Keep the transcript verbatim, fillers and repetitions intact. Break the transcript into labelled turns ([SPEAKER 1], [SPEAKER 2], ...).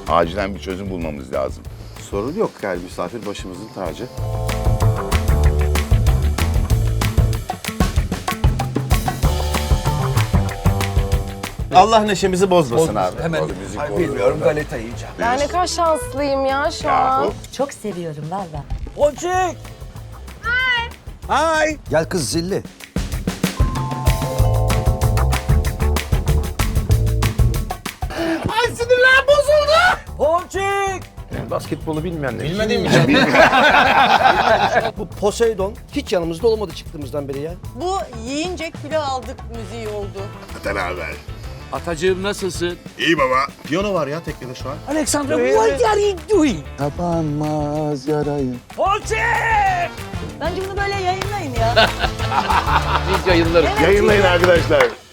[SPEAKER 1] Acilen bir çözüm bulmamız lazım.
[SPEAKER 2] Sorun yok yani misafir başımızın tacı. Allah neşemizi bozmasın abi.
[SPEAKER 3] Hemen
[SPEAKER 2] müzik
[SPEAKER 3] Ay,
[SPEAKER 2] olur
[SPEAKER 3] bilmiyorum
[SPEAKER 2] orada.
[SPEAKER 3] galeta yiyeceğim.
[SPEAKER 4] Ben ne kadar şanslıyım ya şu an.
[SPEAKER 1] Yahu.
[SPEAKER 5] Çok seviyorum valla.
[SPEAKER 3] Ponçik! Hay! Gel kız zilli.
[SPEAKER 2] Ay sinirler bozuldu.
[SPEAKER 3] Ponçik!
[SPEAKER 2] Basketbolu bilmeyenler.
[SPEAKER 3] Bilmediğim
[SPEAKER 6] Bu Poseidon hiç yanımızda olmadı çıktığımızdan beri ya.
[SPEAKER 7] Bu yiyince kilo aldık müziği oldu.
[SPEAKER 1] Atan haber.
[SPEAKER 8] Atacığım nasılsın?
[SPEAKER 1] İyi baba.
[SPEAKER 2] Piyano var ya teknede şu an.
[SPEAKER 3] Alexandra, what are you doing?
[SPEAKER 2] Kapanmaz yarayı.
[SPEAKER 3] Ponçik!
[SPEAKER 7] Bence bunu böyle yayınlayın ya.
[SPEAKER 8] Biz yayınlarız.
[SPEAKER 1] Yayınlayın arkadaşlar.